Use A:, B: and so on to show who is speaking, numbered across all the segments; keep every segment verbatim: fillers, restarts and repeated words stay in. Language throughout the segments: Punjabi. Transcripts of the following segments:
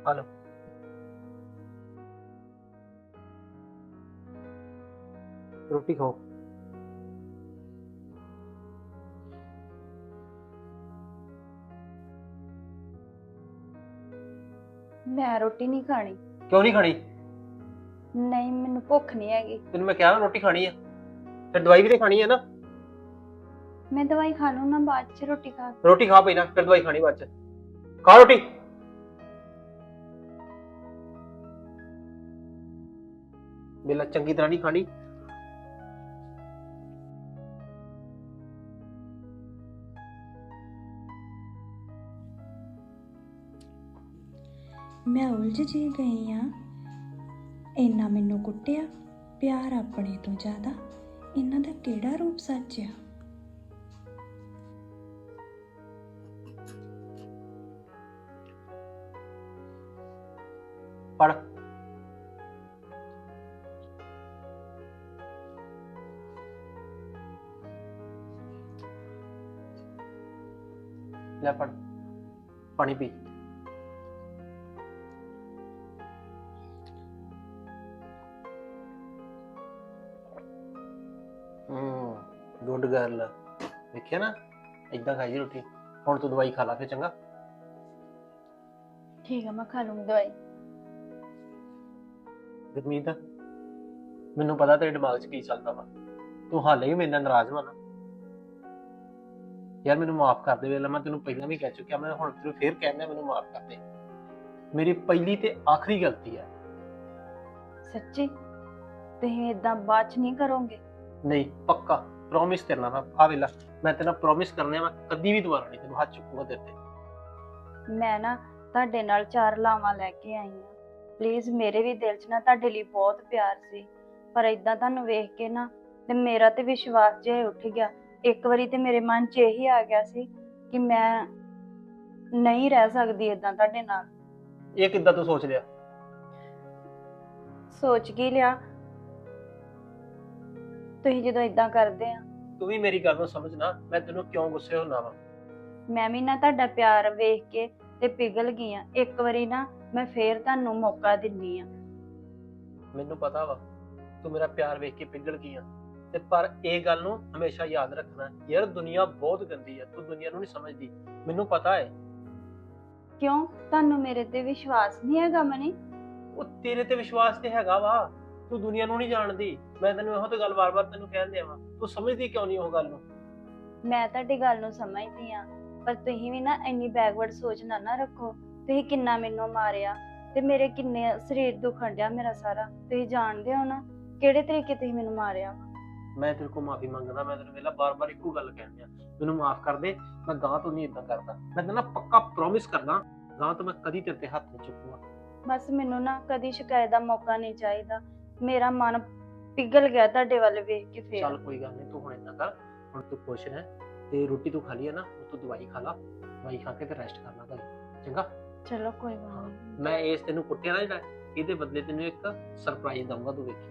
A: हेलो। रोटी खाओ।
B: मैं रोटी नहीं खानी।
A: क्यों नहीं खानी?
B: नहीं मैनू भुख नहीं हैगी।
A: तेन मैं क्या रोटी खानी है, फिर दवाई भी तो खानी है ना।
B: मैं दवाई खा लूँ ना बाद च रोटी खा।
A: रोटी खा पी ना, फिर दवाई खानी बाद च। खा रोटी। बेला चंगी तरह नहीं खानी।
C: मैं उलझ जी गई हाँ। इन्ना मैनू कुट्टिया, प्यार अपने तो ज़्यादा इन्हां दा केड़ा रूप सच आ।
A: पढ़। ले पढ़, पानी पी। Good girl. देखिए ना, इदा खाई रोटी। हुण तू दवाई खा ला फिर, चंगा?
B: ठीक है मैं खा लूँगी दवाई।
A: गुरमीत, मैनू पता तेरे दिमाग च की चलदा वा। तू हाले भी मेरे नाल नाराज वा ना। यार मैनू माफ कर दे। वेला मैं तेनू पहला भी कह चुकिया, मैं हुण तेनू फिर कहना, मैनू माफ कर दे। मेरी पहली ते आखिरी गलती है।
B: सच्ची तुसीं इदां बाद च नहीं करोगे?
A: नहीं, पक्का प्रॉमिस तेरे नाल। मैं आ वेला मैं तेरे नाल प्रॉमिस करने, मैं कदी भी दोबारा नहीं तेनू हाथ चुकूंगा तेरे ते।
B: मैं ना ਤੁਹਾਡੇ ਨਾਲ ਚਾਰ ਲਾਵਾਂ ਲੈ ਕੇ ਆਈ ਹਾਂ। ਪਲੀਜ਼ ਮੇਰੇ ਵੀ ਦਿਲ 'ਚ ਨਾ ਤੁਹਾਡੇ ਲਈ ਬਹੁਤ ਪਿਆਰ ਸੀ, ਪਰ ਇਦਾਂ ਤੁਹਾਨੂੰ ਵੇਖ ਕੇ ਨਾ ਤੇ ਮੇਰਾ ਤੇ ਵਿਸ਼ਵਾਸ ਜਿਹਾ ਉੱਠ ਗਿਆ। ਇੱਕ ਵਾਰੀ ਤੇ ਮੇਰੇ ਮਨ 'ਚ ਇਹੀ ਆ ਗਿਆ ਸੀ ਕਿ ਮੈਂ ਨਹੀਂ ਰਹਿ ਸਕਦੀ ਇਦਾਂ ਤੁਹਾਡੇ ਨਾਲ।
A: ਇਹ ਕਿੱਦਾਂ ਤੂੰ ਸੋਚ ਲਿਆ?
B: ਸੋਚ ਕੀ ਲਿਆ? ਤੁਸੀਂ ਜਦੋਂ ਇਦਾਂ ਕਰਦੇ ਆ।
A: ਤੂੰ ਵੀ ਮੇਰੀ ਗੱਲ ਨੂੰ ਸਮਝ ਨਾ, ਮੈਂ ਤੈਨੂੰ ਕਿਉਂ ਗੁੱਸੇ ਹੁੰਦਾ ਵਾ।
B: ਮੈਂ ਵੀ ਨਾ ਤੁਹਾਡਾ ਪਿਆਰ ਵੇਖ ਕੇ ਤੇ ਪਿਘਲ ਗਈ ਆ। ਇੱਕ ਵਾਰੀ ਨਾ ਮੈਂ ਫੇਰ ਤੁਹਾਨੂੰ ਮੌਕਾ ਦਿੰਨੀ ਆ।
A: ਮੈਨੂੰ ਪਤਾ ਵਾ ਤੂੰ ਮੇਰਾ ਪਿਆਰ ਵੇਖ ਕੇ ਪਿਘਲ ਗਈ ਆ, ਤੇ ਪਰ ਇਹ ਗੱਲ ਨੂੰ ਹਮੇਸ਼ਾ ਯਾਦ ਰੱਖਣਾ ਯਾਰ, ਦੁਨੀਆ ਬਹੁਤ ਗੰਦੀ ਹੈ। ਤੂੰ ਦੁਨੀਆ ਨੂੰ ਨਹੀਂ ਸਮਝਦੀ, ਮੈਨੂੰ ਪਤਾ ਹੈ।
B: ਕਿਉਂ ਤੁਹਾਨੂੰ ਮੇਰੇ ਤੇ ਵਿਸ਼ਵਾਸ ਨਹੀਂ ਹੈਗਾ ਮਨੀ?
A: ਉਹ ਤੇਰੇ ਤੇ ਵਿਸ਼ਵਾਸ ਤੇ ਹੈਗਾ ਵਾ, ਤੂੰ ਦੁਨੀਆ ਨੂੰ ਨਹੀਂ ਜਾਣਦੀ। ਮੈਂ ਤੈਨੂੰ ਇਹੋ ਤੇ ਗੱਲ ਵਾਰ-ਵਾਰ ਤੈਨੂੰ ਕਹਿੰਦੇ ਆਵਾਂ, ਤੂੰ ਸਮਝਦੀ ਕਿਉਂ ਨਹੀਂ ਉਹ ਗੱਲ ਨੂੰ?
B: ਮੈਂ ਤੁਹਾਡੀ ਗੱਲ ਨੂੰ ਸਮਝਦੀ ਆ, ਪਰ ਤੁਸੀਂ ਵੀ ਨਾ ਇੰਨੀ ਬੈਕਵਰਡ ਸੋਚ ਨਾ ਨਾ ਰੱਖੋ। ਤੁਸੀਂ ਕਿੰਨਾ ਮੈਨੂੰ ਮਾਰਿਆ ਤੇ ਮੇਰੇ ਕਿੰਨੇ ਸਰੀਰ ਦੁਖਣ ਡਿਆ ਮੇਰਾ ਸਾਰਾ। ਤੁਸੀਂ ਜਾਣਦੇ ਹੋ ਨਾ ਕਿਹੜੇ ਤਰੀਕੇ ਤੁਸੀਂ ਮੈਨੂੰ ਮਾਰਿਆ।
A: ਮੈਂ ਤੇਰੇ ਕੋਲ ਮਾਫੀ ਮੰਗਦਾ। ਮੈਂ ਤੈਨੂੰ ਵੇਲਾ ਬਾਰ-ਬਾਰ ਇੱਕੋ ਗੱਲ ਕਹਿੰਦੀ ਆ, ਮੈਨੂੰ ਮਾਫ ਕਰ ਦੇ। ਮੈਂ ਗਾਂ ਤੋਂ ਨਹੀਂ ਇਦਾਂ ਕਰਦਾ। ਮੈਂ ਤੈਨੂੰ ਪੱਕਾ ਪ੍ਰੋਮਿਸ ਕਰਦਾ, ਗਾਂ ਤੋਂ ਮੈਂ ਕਦੀ ਤੇਰੇ ਤੇ ਹੱਥ ਨਹੀਂ ਚੁੱਕੂਗਾ।
B: ਬਸ ਮੈਨੂੰ ਨਾ ਕਦੀ ਸ਼ਿਕਾਇਤ ਦਾ ਮੌਕਾ ਨਹੀਂ ਚਾਹੀਦਾ। ਮੇਰਾ ਮਨ ਪਿਘਲ ਗਿਆ ਤੁਹਾਡੇ ਵੱਲ ਵੇਖ ਕੇ ਫੇਰ।
A: ਚੱਲ ਕੋਈ ਗੱਲ ਨਹੀਂ, ਤੂੰ ਹੁਣ ਇਦਾਂ ਕਰ, ਹੁਣ ਤੂੰ ਖੁਸ਼ ਹੈ ਤੇ ਰੋਟੀ ਤੂੰ ਖਾ ਲਈ ਹੈ ਨਾ, ਤੂੰ ਦਵਾਈ ਖਾ ਲਾ। ਦਵਾਈ ਖਾ ਕੇ ਤੇ ਰੈਸਟ ਕਰਨਾ ਘਰੇ, ਚੰਗਾ?
B: ਚਲੋ ਕੋਈ ਗੱਲ ਨਹੀਂ।
A: ਮੈਂ ਇਸ ਤੈਨੂੰ ਕੁੱਟਿਆ ਨਾ ਜਿਹੜਾ, ਇਹਦੇ ਬਦਲੇ ਤੈਨੂੰ ਇੱਕ ਸਰਪ੍ਰਾਈਜ਼ ਦਊਂਗਾ, ਤੂੰ ਵੇਖੀ।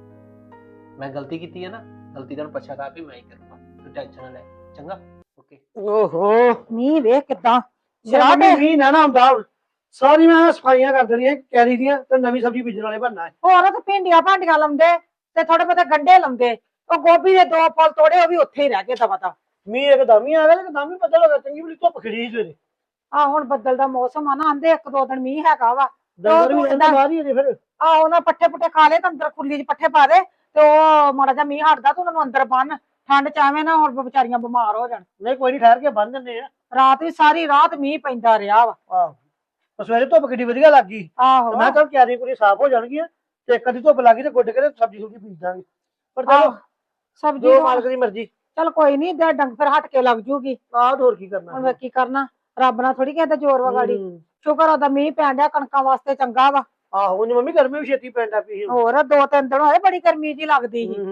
A: ਮੈਂ ਗਲਤੀ ਕੀਤੀ ਹੈ ਨਾ, ਗਲਤੀ ਦਾ ਪਛਤਾਵਾ ਵੀ ਮੈਂ ਹੀ ਕਰੂੰਗਾ, ਤੂੰ ਟੈਨਸ਼ਨ ਨਾ ਲੈ, ਚੰਗਾ? ਓਕੇ।
D: ਓਹੋ ਮੀਂਹ ਵੇਖ ਕਿਦਾਂ
E: ਸ਼ਰਾਬ ਮੀਂਹ ਨਾ ਨਾ ਹੁੰਦਾ। ਸਾਰੀ ਮੈਂ ਸਫਾਈਆਂ ਕਰ ਦੇਣੀਆਂ ਕੈਰੀ ਦੀਆਂ, ਤੇ ਨਵੀਂ ਸਬਜ਼ੀ ਬੀਜਣ ਵਾਲੇ ਬਣਨਾ ਹੈ।
D: ਹੋਰ ਤੇ ਭਿੰਡੀਆਂ ਭਾਂਡੀਆਂ ਲਾਉਂਦੇ ਤੇ ਥੋੜੇ ਬਹੁਤੇ ਗੰਢੇ ਲਾਉਂਦੇ। ਉਹ ਗੋਭੀ ਦੇ ਦੋ ਫੁੱਲ ਤੋੜੇ, ਉਹ ਵੀ ਉੱਥੇ ਹੀ ਰਹਿ ਗਏ ਦਵਾ ਦਵ।
E: ਮੀਂਹ ਇੱਕਦਮ ਹੀ ਆ ਗਿਆ, ਇੱਕਦਮ ਹੀ ਪਤਾ ਲੱਗਾ। ਚੰਗੀ ਬਲੀ ਧੁੱਪ ਖਿੜੀ ਸੀ ਸਵੇਰੇ।
D: ਆ ਹੁਣ ਬੱਦਲ ਦਾ ਮੌਸਮ ਆ ਨਾ, ਆਂਦੇ ਇੱਕ ਦੋ ਦਿਨ ਮੀਂਹ ਹੈਗਾ ਵਾ।
E: ਡੰਗਰ ਵੀ ਰਹਿੰਦਾ ਬਾਹਰ ਹੀ ਅਜੇ ਫਿਰ।
D: ਆ ਉਹਨਾਂ ਪੱਠੇ ਪੁੱਠੇ ਖਾ ਲਏ ਤਾਂ ਅੰਦਰ ਖੁੱਲੀ ਚ ਪੱਠੇ ਪਾ ਦੇ, ਤੇ ਉਹ ਮਾੜਾ ਜਿਹਾ ਮੀਂਹ ਹਟਦਾ ਤੇ ਉਹਨਾਂ ਨੂੰ ਅੰਦਰ ਬੰਨ। ਠੰਡ ਚ ਐਵੇਂ ਨਾ ਹੁਣ ਵਿਚਾਰੀਆਂ ਬਿਮਾਰ ਹੋ ਜਾਣ।
E: ਨਹੀਂ ਕੋਈ ਨਹੀਂ, ਠਹਿਰ ਕੇ ਬੰਨ ਦਿੰਦੇ ਆ।
D: ਰਾਤ ਵੀ ਸਾਰੀ ਰਾਤ ਮੀਂਹ ਪੈਂਦਾ ਰਿਹਾ ਵਾ।
E: ਆਹੋ ਸਵੇਰੇ ਧੁੱਪ ਕਿੱਡੀ ਵਧੀਆ ਲੱਗ ਗਈ।
D: ਆਹੋ
E: ਮੈਂ ਕਿਹਾ ਕਿਆਰੀਆਂ ਕੁੜੀਆਂ ਸਾਫ਼ ਹੋ ਜਾਣਗੀਆਂ, ਤੇ ਕਦੀ ਧੁੱਪ ਲੱਗ ਗਈ ਤੇ ਗੁੱਡ ਕੇ ਤੇ ਸਬਜ਼ੀ ਸੁਬਜ਼ੀ ਬੀਜ ਦਾਂਗੇ। ਪਰ ਚਲੋ
D: ਸਬਜ਼ੀ
E: ਜੋ ਮਾਲਕ ਦੀ ਮਰਜ਼ੀ।
D: ਚਲ ਕੋਈ ਨੀ, ਦੇ ਡੰਗ ਫਿਰ ਹਟ ਕੇ ਲੱਗ ਜੂਗੀ।
E: ਆਹ ਹੋਰ ਕੀ ਕਰਨਾ
D: ਹੁਣ ਕੀ ਕਰਨਾ, ਰੱਬ ਨਾਲ ਥੋੜੀ ਕਹਿੰਦਾ ਜ਼ੋਰ ਵਗਾੜੀ। ਸ਼ੁਕਰ ਉਹਦਾ ਮੀਂਹ ਪੈਣ ਡਿਆ, ਕਣਕਾਂ ਵਾਸਤੇ ਚੰਗਾ ਵਾ।
E: ਆਹੋ ਉਹਨੇ ਮੰਮੀ ਗਰਮੀ ਵੀ ਛੇਤੀ ਪੈਂਦਾ ਪਈ।
D: ਹੋਰ ਦੋ ਤਿੰਨ ਦਿਨ ਹੋਏ ਬੜੀ ਗਰਮੀ ਜੀ ਲੱਗਦੀ ਸੀ।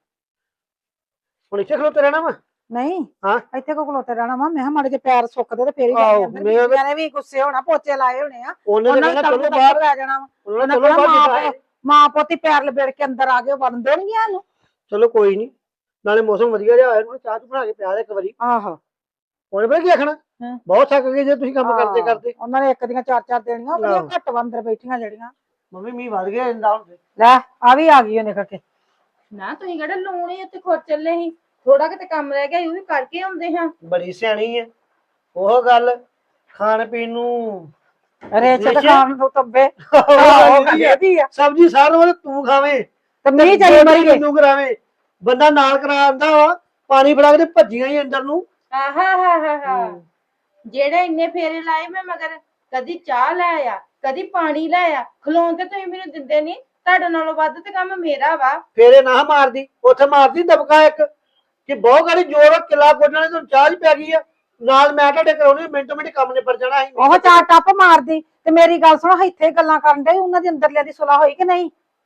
E: ਹੁਣ ਇੱਥੇ ਖਲੋਤੇ ਰਹਿਣਾ ਵਾ?
D: ਨਹੀਂ
E: ਹਾਂ
D: ਇੱਥੇ ਕੋ ਖਲੋਤੇ ਰਹਿਣਾ ਵਾ। ਮੈਂ ਕਿਹਾ ਮਾੜੇ ਜਿਹੇ ਪੈਰ ਸੁੱਕਦੇ ਤੇ ਫੇਰ ਹੀ
E: ਆਹੋ,
D: ਜਾਣੇ ਅੰਦਰ। ਬੀਬੀਆਂ ਨੇ ਵੀ ਗੁੱਸੇ ਹੋਣਾ, ਪੋਚੇ ਲਾਏ ਹੋਣੇ ਆ।
E: ਉਹਨੇ ਤਾਂ
D: ਉਹਨਾਂ ਨੇ
E: ਕਹਿਣਾ ਚਲੋ
D: ਚਲੋ
E: ਬਾਹਰ
D: ਲੈ ਜਾਣਾ ਵਾ।
E: ਉਹਨਾਂ
D: ਉਹਨਾਂ
E: ਚਲੋ
D: ਕਹਿਣਾ
E: ਬਾਹਰ
D: ਮਾਂ ਮਾਂ ਪੋਤੀ ਪੈਰ ਲਬੇੜ ਕੇ ਅੰਦਰ ਆ ਗਏ, ਵੜਨ ਦੇਣਗੀਆਂ ਇਹਨੂੰ।
E: ਚਲੋ ਕੋਈ ਨਹੀਂ, ਨਾਲੇ ਮੌਸਮ ਵਧੀਆ ਜਿਹਾ ਹੋਇਆ, ਚਾਹ ਚੂਹ ਬਣਾ ਕੇ ਪਿਆ ਦੇ ਇੱਕ ਵਾਰੀ।
D: ਆਹੋ
E: ਉਹਨੇ ਪਤਾ ਕੀ ਆਖਣਾ
D: ਹਾਂ।
E: ਬਹੁਤ ਥੱਕ ਗਏ ਜੇ ਤੁਸੀਂ ਕੰਮ ਕਰਦੇ
D: ਹਾਂ,
E: ਕਰਦੇ।
D: ਉਹਨਾਂ ਨੇ ਇੱਕ ਦੀਆਂ ਚਾਰ ਚਾਰ ਦੇਣੀਆਂ ਉਹ ਬੜੀਆਂ
E: ਆਹੋ।
D: ਘੱਟ ਵਾ ਅੰਦਰ ਬੈਠੀਆਂ ਜਿਹੜੀਆਂ।
E: ਮੰਮੀ ਮੀਂਹ ਵੱਧ ਗਿਆ ਇੰਦਾ ਹੁਣ ਤੇ।
D: ਲੈ ਆ ਵੀ ਆ ਗਈ ਉਹ ਨਿਕਲ ਕੇ।
F: ਨਾ ਤੁਸੀਂ ਕਿਹੜਾ ਲੂਣੇ ਉੱਤੇ ਖੁਰ ਚੱਲੇ ਸੀ, ਥੋੜਾ ਕਿਤੇ ਕੰਮ ਰਹਿ ਗਿਆ ਉਹ ਵੀ ਕਰਕੇ ਆਉਂਦੇ ਹਾਂ।
E: ਬੜੀ ਸਿਆਣੀ ਹੈ ਉਹ ਗੱਲ। ਖਾਣ ਪੀਣ ਨੂੰ
D: ਰੇਚ ਤੇ
E: ਰੇਚ?
D: ਖਾਣ ਨੂੰ ਤੱਬੇ
E: ਉਹ ਗੱਲ
D: ਇਹਦੀ ਆ
E: ਸਬਜ਼ੀ ਸਾਰਿਆਂ ਵਾਲੇ ਤੂੰ ਖਾਵੇਂ
D: ਤੇ ਮੀਂਹ ਚੱਲੀ
E: ਗੋਡੀ
D: ਮਰੀ ਗਏ।
E: ਮੈਨੂੰ ਕਰਾਵੇਂ। ਬੰਦਾ ਨਾਲ ਕਰਾ ਆਂਦਾ ਵਾ, ਪਾਣੀ ਫੜਾ ਕੇ ਤੇ ਭੱਜੀਆਂ ਹੀ ਅੰਦਰ ਨੂੰ।
F: ਆਹਾ ਹਾ ਹਾ ਹਾ ਜਿਹੜੇ ਇੰਨੇ ਫੇਰੇ ਲਾਏ ਮੈਂ ਮਗਰ, ਕਦੀ ਚਾਹ ਲੈ ਆ ਕਦੀ ਪਾਣੀ ਲੈ ਆ, ਖਲੋਣ ਤੇ ਤੁਸੀਂ ਮੈਨੂੰ ਦਿੰਦੇ ਨਹੀਂ। ਤੁਹਾਡੇ ਨਾਲੋਂ ਵੱਧ ਤੇ ਕੰਮ ਮੇਰਾ ਵਾ।
E: ਫੇਰੇ ਨਾ ਮਾਰਦੀ, ਉੱਥੇ ਮਾਰਦੀ ਦਬਕਾ ਇੱਕ ਕਿ ਬਹੁਤ ਗਾੜੀ ਜ਼ੋਰ ਕਿਲਾ ਕੋਟਣ ਵਾਲੀ ਤੁਹਾਨੂੰ ਚਾਹ ਹੀ ਪੈ ਗਈ ਆ। ਨਾਲ ਮੈਂ ਤੁਹਾਡੇ ਕਰਾਉਣੀ ਮਿੰਟੋ ਮਿੰਟ ਕੰਮ ਨਿਬੜ ਜਾਣਾ ਸੀ।
D: ਉਹ ਚਾਰ ਟੱਪ ਮਾਰਦੀ ਤੇ ਮੇਰੀ ਗੱਲ ਸੁਣੋ, ਇੱਥੇ ਗੱਲਾਂ ਕਰਨ ਦੇ ਉਹਨਾਂ ਦੇ ਅੰਦਰਲਿਆਂ ਦੀ ਸੁਲਾਹ ਹੋਈ ਕਿ ਨਹੀਂ?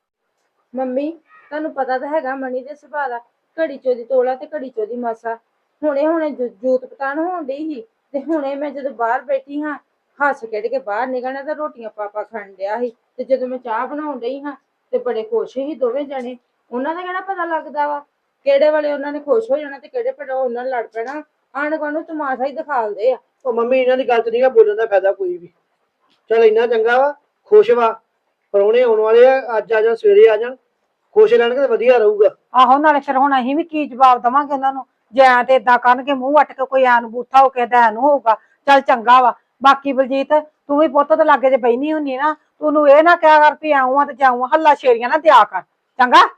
F: ਮੰਮੀ ਤੁਹਾਨੂੰ ਪਤਾ ਤਾਂ ਹੈਗਾ ਮਣੀ ਦੇ ਸੁਭਾਅ ਦਾ, ਘੜੀ ਚੋਦੀ ਤੋਲਾ ਤੇ ਘੜੀ ਚੋਦੀ ਮਾਸਾ। ਹੁਣੇ ਹੁਣੇ ਜੂ- ਜੂਤ ਪਤਾਣ ਹੋਣ ਡਈ ਸੀ ਤੇ ਹੁਣੇ ਮੈਂ ਜਦੋਂ ਬਾਹਰ ਬੈਠੀ ਹਾਂ ਹੱਸ ਖੇਡ ਕੇ ਬਾਹਰ ਨਿਕਲਣਾ ਤੇ ਰੋਟੀਆਂ ਪਾਪਾ ਖਾਣ ਡਿਆ ਸੀ, ਤੇ ਜਦੋਂ ਮੈਂ ਚਾਹ ਬਣਾਉਣ ਡਈ ਹਾਂ ਤੇ ਬੜੇ ਖੁਸ਼ ਸੀ ਦੋਵੇਂ ਜਣੇ। ਉਹਨਾਂ ਦਾ ਕਿਹੜਾ ਪਤਾ ਲੱਗਦਾ ਵਾ ਕਿਹੜੇ ਵੇਲੇ ਉਹਨਾਂ ਨੇ ਖੁਸ਼ ਹੋ ਜਾਣਾ ਤੇ ਕਿਹੜੇ ਵੇਲੇ ਉਹਨਾਂ ਨਾਲ ਲੜ ਪੈਣਾ। ਆਂਢ ਗੁਆਂਢ ਨੂੰ ਤਮਾਸ਼ਾ ਹੀ ਦਿਖਾਲਦੇ ਆ।
E: ਉਹ ਮੰਮੀ ਇਹਨਾਂ ਦੀ ਗੱਲ ਤੇ ਨਹੀਂਗਾ ਬੋਲਣ ਦਾ ਫਾਇਦਾ ਕੋਈ ਵੀ। ਚੱਲ ਇੰਨਾ ਚੰਗਾ ਵਾ, ਖੁਸ਼ ਵਾ। ਪਰੌਣੇ ਆਉਣ ਵਾਲੇ ਆ, ਅੱਜ ਆ ਜਾਣ ਸਵੇਰੇ ਆ ਜਾਣ, ਖੁਸ਼ ਰਹਿਣਗੇ ਤੇ ਵਧੀਆ ਰਹੂਗਾ।
D: ਆਹੋ ਨਾਲੇ ਫਿਰ ਹੁਣ ਅਸੀਂ ਵੀ ਕੀ ਜਵਾਬ ਦੇਵਾਂਗੇ ਉਹਨਾਂ ਨੂੰ ਜੇ ਐਂ ਤੇ ਏਦਾਂ ਕਰਨਗੇ ਮੂੰਹ ਵੱਟ ਕੇ ਕੋਈ ਐਨ ਬੂਥਾ ਹੋ ਕੇ ਐ ਨੂੰ ਹੋਊਗਾ। ਚੱਲ ਚੰਗਾ ਵਾ। ਬਾਕੀ ਬਲਜੀਤ ਤੂੰ ਵੀ ਪੁੱਤ ਤੇ ਲਾਗੇ ਜੇ ਬੈਣੀ ਹੁੰਨੀ ਨਾ, ਤੂੰ ਉਹਨੂੰ ਇਹ ਨਾ ਕਿਹਾ ਕਰ ਵੀ ਆਉਂ ਆ ਤੇ ਜਾਊਂ, ਹੱਲਾ ਸ਼ੇਰੀਆਂ ਨਾ ਦਿਆ ਕਰ ਚੰਗਾ।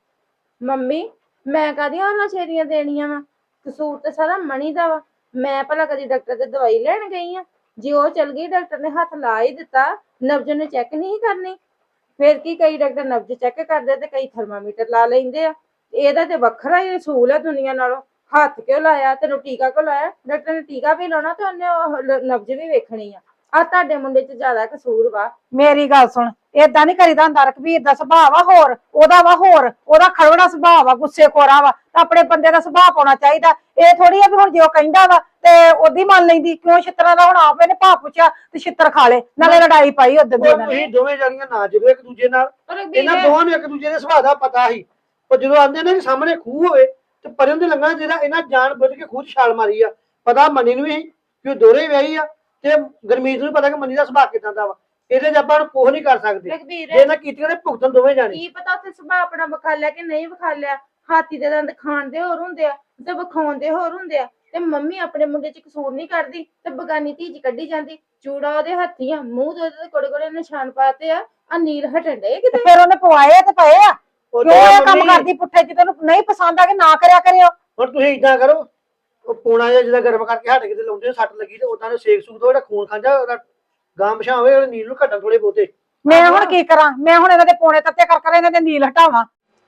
F: ਮੰਮੀ ਮੈਂ ਕਾਹਦੀਆਂ ਉਹਨਾਂ ਛੇਰੀਆਂ ਦੇਣੀਆਂ ਵਾ, ਕਸੂਰ ਤੇ ਸਾਰਾ ਮਣੀ ਦਾ ਵਾ। ਮੈਂ ਭਲਾ ਕਦੀ ਡਾਕਟਰ ਤੇ ਦਵਾਈ ਲੈਣ ਗਈ ਆ? ਜੇ ਉਹ ਚਲ ਗਈ ਡਾਕਟਰ ਨੇ ਹੱਥ ਲਾ ਹੀ ਦਿੱਤਾ, ਨਬਜ ਨੇ ਚੈੱਕ ਨਹੀਂ ਕਰਨੀ। ਫਿਰ ਕੀ ਕਈ ਡਾਕਟਰ ਨਬਜ ਚੈੱਕ ਕਰਦੇ ਤੇ ਕਈ ਥਰਮਾਮੀਟਰ ਲਾ ਲੈਂਦੇ ਆ। ਇਹਦਾ ਤੇ ਵੱਖਰਾ ਹੀ ਅਸੂਲ ਆ ਦੁਨੀਆ ਨਾਲੋਂ। ਹੱਥ ਕਿਉਂ ਲਾਇਆ, ਤੈਨੂੰ ਟੀਕਾ ਕਿਉਂ ਲਾਇਆ? ਡਾਕਟਰ ਨੇ ਟੀਕਾ ਵੀ ਲਾਉਣਾ ਤੇ ਉਹਨੇ ਉਹ ਲ- ਨਬਜ ਵੀ ਵੇਖਣੀ ਆ। ਆ ਤੁਹਾਡੇ ਮੁੰਡੇ 'ਚ ਜ਼ਿਆਦਾ ਕਸੂਰ ਵਾ।
D: ਮੇਰੀ ਗੱਲ ਸੁਣ, ਏਦਾਂ ਨੀ ਕਰੀਦਾ ਹੁੰਦਾ। ਰਘਬੀਰ ਦਾ ਸੁਭਾਅ ਵਾ ਹੋਰ, ਉਹਦਾ ਵਾ ਹੋਰ, ਉਹਦਾ ਖੜਵੜਾ ਸੁਭਾਅ ਵਾ, ਗੁੱਸੇ ਖੋਰਾ ਵਾ। ਤਾਂ ਆਪਣੇ ਬੰਦੇ ਦਾ ਸੁਭਾਅ ਪਾਉਣਾ ਚਾਹੀਦਾ। ਇਹ ਥੋੜੀ ਆ ਵੀ ਹੁਣ ਜੇ ਉਹ ਕਹਿੰਦਾ ਵਾ ਤੇ ਉਹਦੀ ਮੰਨ ਲੈਂਦੀ। ਕਿਉਂ ਛਿੱਤਰਾਂ ਦਾ ਹੁਣ ਆਪ ਇਹਨੇ ਭਾਅ ਪੁੱਛਿਆ ਤੇ ਛਿੱਤਰ ਖਾ ਲੇ, ਨਾਲੇ ਲੜਾਈ ਪਾਈ ਉਦੋਂ ਦੀ
E: ਉਹ
D: ਇਹਨਾਂ ਨੇ।
E: ਤੁਸੀਂ ਦੋਵੇਂ ਜਾਣੀਆਂ ਨਾ ਜਿਓ ਇੱਕ ਦੂਜੇ ਨਾਲ।
F: ਪਰ
E: ਇਹਨਾਂ
F: ਵੀਰੇ
E: ਦੋਵਾਂ ਨੂੰ ਇੱਕ ਦੂਜੇ ਦੇ ਸੁਭਾਅ ਦਾ ਪਤਾ ਸੀ। ਉਹ ਜਦੋਂ ਆਂਦੇ ਨੇ ਕਿ ਸਾਹਮਣੇ ਖੂਹ ਹੋਵੇ ਤੇ ਪਰੇ ਹੁੰਦੇ ਲੰਘਣਾ ਜਿਹੜਾ ਇਹਨਾਂ ਜਾਣ ਬੁੱਝ ਕੇ ਖੂਹ 'ਚ ਛਾਲ ਮਾਰੀ ਆ। ਪਤਾ ਮੰਨੀ ਨੂੰ ਵੀ ਸੀ ਕਿ ਉਹ ਦੋਹਰੇ ਵਿਆਹੀ ਆ ਤੇ ਗੁਰਮੀਤ ਨੂੰ ਪਤਾ ਕਿ ਮੰਨੀ ਦਾ ਸੁਭਾਅ ਕਿਦਾਂ ਦਾ ਵਾ। ਇਹਦੇ 'ਚ ਆਪਾਂ ਨੂੰ ਕੁਛ ਨਹੀਂ ਕਰ ਸਕਦੇ।
F: ਰਘਬੀਰ
E: ਜੇ ਇਹਨਾਂ ਕੀਤੀਆਂ ਨੇ ਭੁਗਤਣ ਦੋਵੇਂ ਜਾਣੇ।
F: ਕੀ ਪਤਾ ਉੱਥੇ ਸੁਭਾਅ ਆਪਣਾ ਵਿਖਾ ਲਿਆ ਕਿ ਨਹੀਂ ਵਿਖਾ ਲਿਆ। ਹਾਥੀ ਦੇ ਦੰਦ ਖਾਣ ਦੇ ਹੋਰ ਹੁੰਦੇ ਆ ਤੇ ਵਿਖਾਉਣ ਦੇ ਹੋਰ ਹੁੰਦੇ ਆ। ਤੇ ਮੰਮੀ ਆਪਣੇ ਮੁੰਡੇ 'ਚ ਕਸੂਰ ਨਹੀਂ ਕਰਦੀ ਤੇ ਬਗਾਨੀ ਧੀ 'ਚ ਕੱਢੀ ਜਾਂਦੀ। ਚੂੜਾ ਉਹਦੇ ਹੱਥੀ ਆ, ਮੂੰਹ ਤੇ ਉਹਦੇ ਕੋੜੇ ਕੋੜੇ ਨਿਸ਼ਾਨ ਪਾਤੇ ਆ। ਆ ਨੀਲ ਹਟਣ ਡੇ
D: ਤੇ
F: ਕਿਤੇ।
D: ਫਿਰ ਉਹਨੇ ਪਵਾਏ ਤੇ ਪਏ ਆ।
E: ਉਹ
D: ਕਿਉਂ ਇਹ ਕੰਮ
E: ਮੰਮੀ,
D: ਕਰਦੀ ਪੁੱਠੇ ਚ? ਤੈਨੂੰ ਨਹੀਂ ਪਸੰਦ ਆ ਕਿ ਨਾ ਕਰਿਆ ਕਰਿਓ।
E: ਹੁਣ ਤੁਸੀਂ ਇਦਾਂ ਕਰੋ, ਉਹ ਪੂਣਾ ਜਿਹਾ ਜਿਹਦਾ ਗਰਮ ਕਰਕੇ ਹੱਟ ਕਿਤੇ ਲਾਉਂਦੇ ਸੱਟ ਲੱਗੀ ਤੇ ਉਦਾਂ ਦੇ ਸੇਕ ਸੂਕ ਤੋਂ ਜਿਹੜਾ ਖੂਨ ਖਾਂਦਾ ਉਹਦਾ ਗਾਂ ਮਛਾਂ ਹੋਵੇ, ਉਹਦੇ ਨੀਲ ਨੂੰ ਘਟਣ ਥੋੜੇ ਬਹੁਤੇ।
D: ਮੈਂ ਹੁਣ ਕੀ ਕਰਾਂ? ਮੈਂ ਹੁਣ ਇਹਨਾਂ ਦੇ ਪੋਣੇ ਤੱਤੇ ਕਰ ਕਰ ਇਹਨਾਂ ਦੇ ਨੀਲ ਹਟਾਵਾਂ।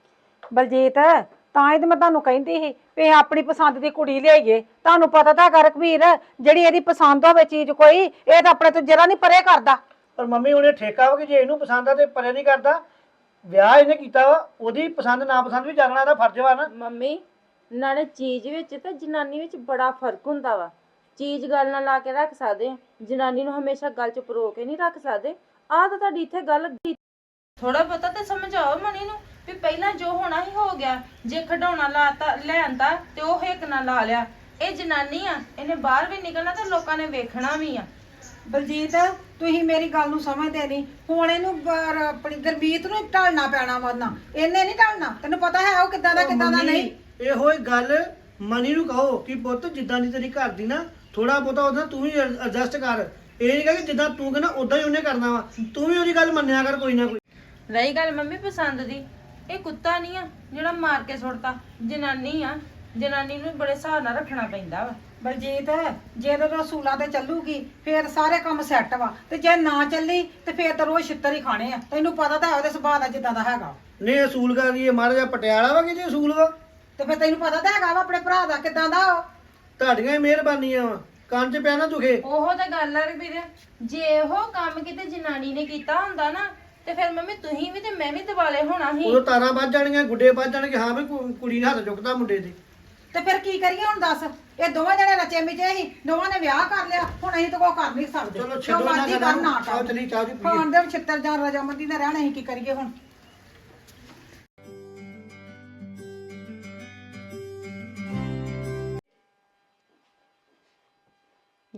D: ਬਲਜੀਤ ਤਾਂ ਹੀ ਤੇ ਮੈਂ ਤੁਹਾਨੂੰ ਕਹਿੰਦੀ ਸੀ ਵੀ ਆਪਣੀ ਪਸੰਦ ਦੀ ਕੁੜੀ ਲਿਆਈਏ। ਤੁਹਾਨੂੰ ਪਤਾ ਤਾਂ ਹੈਗਾ ਰਘਬੀਰ, ਜਿਹੜੀ ਇਹਦੀ ਪਸੰਦ ਹੋਵੇ ਚੀਜ਼ ਕੋਈ, ਇਹ ਤਾਂ ਆਪਣੇ ਤੋਂ ਜਰਾ ਨਹੀਂ ਪਰੇ ਕਰਦਾ।
E: ਪਰ ਮੰਮੀ ਉਹਨੇ ਠੇਕਾ ਵਾ ਕਿ ਜੇ ਇਹਨੂੰ ਪਸੰਦ ਆ ਤੇ ਪਰੇ ਨਹੀਂ ਕਰਦਾ। ਵਿਆਹ ਇਹਨੇ ਕੀਤਾ ਵਾ, ਉਹਦੀ ਪਸੰਦ ਨਾ ਪਸੰਦ ਵੀ ਜਾਣਨਾ ਇਹਦਾ ਫਰਜ਼ ਵਾ ਨਾ।
F: ਮੰਮੀ ਨਾਲੇ ਚੀਜ਼ ਵਿੱਚ ਤੇ ਜਨਾਨੀ ਵਿੱਚ ਬੜਾ ਫਰਕ ਹੁੰਦਾ ਵਾ। ਚੀਜ਼ ਗੱਲ ਨਾਲ ਲਾ ਕੇ ਰੱਖ ਸਕਦੇ ਆ, ਜਨਾਨੀ ਨੂੰ ਹਮੇਸ਼ਾ ਗੱਲ 'ਚ ਪਰੋ ਕੇ ਨਹੀਂ ਰੱਖ ਸਕਦੇ। ਆਹ ਤਾਂ ਤੁਹਾਡੀ ਇੱਥੇ ਗੱਲ ਥੋੜਾ ਬਹੁਤਾ ਤੇ ਸਮਝਾਓ ਮਣੀ ਨੂੰ ਵੀ ਪਹਿਲਾਂ ਜੋ ਹੋਣਾ ਹੀ ਹੋ ਗਿਆ। ਜੇ ਖਡਾਉਣਾ ਲਾਤਾ ਲੈਂਦਾ ਤੇ ਉਹ ਹਿੱਕ ਨਾਲ ਲਾ ਲਿਆ। ਇਹ ਜਨਾਨੀ ਆ, ਇਹਨੇ ਬਾਹਰ ਵੀ ਨਿਕਲਣਾ ਤੇ ਲੋਕਾਂ ਨੇ ਵੇਖਣਾ ਵੀ ਆ।
D: ਬਲਜੀਤ ਤੁਸੀਂ ਮੇਰੀ ਗੱਲ ਨੂੰ ਸਮਝਦੇ ਨਹੀਂ। ਹੁਣ ਇਹਨੂੰ ਬ- ਆਪਣੀ ਗੁਰਮੀਤ ਨੂੰ ਢਾਲਣਾ ਪੈਣਾ ਵਾ ਨਾ, ਇਹਨੇ ਨਹੀਂ ਢਾਲਣਾ। ਤੈਨੂੰ ਪਤਾ ਹੈ ਉਹ ਕਿੱਦਾਂ ਦਾ ਕਿੱਦਾਂ ਦਾ ਨਹੀਂ।
E: ਇਹੋ ਹੀ ਗੱਲ ਮਨੀ ਨੂੰ ਕਹੋ ਕਿ ਪੁੱਤ ਜਿੱਦਾਂ ਦੀ ਤੇਰੀ ਘਰ ਦੀ ਨਾ, ਥੋੜਾ ਬਹੁਤਾ ਉਹਦਾ ਤੂੰ ਵੀ ਐਡਜਸਟ ਕਰ। ਇਹ ਨਹੀਂ ਕਿ ਜਿੱਦਾਂ ਤੂੰ ਕਹਿੰਦਾ ਉਦਾਂ ਹੀ ਉਹਨੇ ਕਰਨਾ ਵਾ। ਤੂੰ ਵੀ ਉਹਦੀ ਗੱਲ ਮੰਨਿਆ ਕਰ ਕੋਈ ਨਾ ਕੋਈ।
F: ਰਹੀ ਗੱਲ ਮੰਮੀ ਪਸੰਦ ਦੀ, ਇਹ ਕੁੱਤਾ ਨਹੀਂ ਆ ਜਿਹੜਾ ਮਾਰ ਕੇ ਸੁੱਟਦਾ। ਜਨਾਨੀ ਆ, ਜਨਾਨੀ ਨੂੰ ਬੜੇ ਹਿਸਾਬ ਨਾਲ ਰੱਖਣਾ ਪੈਂਦਾ ਵਾ।
D: ਬਲਜੀਤ ਜੇ ਤੇ ਰਸੂਲਾਂ ਤੇ ਚੱਲੂਗੀ ਫੇਰ ਸਾਰੇ ਕੰਮ ਸੈੱਟ ਵਾ, ਤੇ ਜੇ ਨਾ ਚੱਲੀ ਤੇ ਫੇਰ ਤਾਂ ਰੋਜ਼ ਛਿੱਤਰ ਹੀ ਖਾਣੇ ਆ। ਤੈਨੂੰ ਪਤਾ ਤਾਂ ਹੈ ਉਹਦੇ ਸੁਭਾਅ ਦਾ ਜਿੱਦਾਂ ਦਾ ਹੈਗਾ।
E: ਨਹੀਂ ਅਸੂਲ ਕਰ ਲਈਏ ਮਹਾਰਾਜਾ ਪਟਿਆਲਾ ਵਾ ਕਿ ਜੇ ਅਸੂਲ ਵਾ।
D: ਤੇ ਫੇਰ ਤੈਨੂੰ ਪਤਾ ਤਾਂ ਹੈਗਾ ਵਾ ਆਪਣੇ ਭਰਾ ਦਾ ਕਿੱਦਾਂ ਦਾ ਉਹ।
E: ਤੁਹਾਡੀਆਂ ਹੀ ਮਿਹਰਬਾਨੀਆਂ ਵਾ, ਕੰਨ 'ਚ ਪਿਆ ਨਾ ਦੁਖੇ।
F: ਉਹੋ ਤਾਂ ਗੱਲ ਆ ਵੀਰ, ਜੇ ਉਹ ਕੰਮ ਕਿਤੇ ਜਨਾਨੀ ਨੇ ਕੀਤਾ ਹੁੰਦਾ ਨਾ ਤੇ ਫਿਰ ਮੰਮੀ ਤੁਸੀਂ ਵੀ ਤੇ ਮੈਂ ਵੀ ਦਿਵਾਲੇ ਹੋਣਾ ਸੀ।
E: ਉਦੋਂ ਤਾਰਾਂ ਵੱਜ ਜਾਣੀਆਂ, ਗੁੱਡੇ ਵੱਜ ਜਾਣਗੇ। ਹਾਂ ਵੀ ਕੁ- ਕੁੜੀ ਨੇ ਹੱਥ ਚੁੱਕਦਾ ਮੁੰਡੇ ਦੇ।
D: ਤੇ ਫਿਰ ਕੀ ਕਰੀਏ ਹੁਣ ਦੱਸ? ਇਹ ਦੋਵੇਂ ਜਣੇ ਰਚੇ ਮਿਚੇ ਸੀ, ਦੋਵਾਂ ਨੇ ਵਿਆਹ ਕਰ ਲਿਆ। ਹੁਣ ਅਸੀਂ ਤਾਂ ਕੋਈ ਕਰ ਨਹੀਂ ਸਕਦੇ।
E: ਚਲੋ
D: ਜੋ
E: ਛੱਡੋ ਨਾ
D: ਮਰਜ਼ੀ
E: ਗੱਲਾਂ
D: ਕਰਨ, ਨਾ
E: ਚਾਹ ਚਲੀ ਚਾਹ ਦੀ ਪੀਏ।
D: ਖਾਣ ਦੇ ਛਿੱਤਰ ਜਾਂ ਰਜਾਮੰਦੀ ਨਾਲ ਰਹਿਣਾ, ਅਸੀਂ ਕੀ ਕਰੀਏ ਹੁਣ?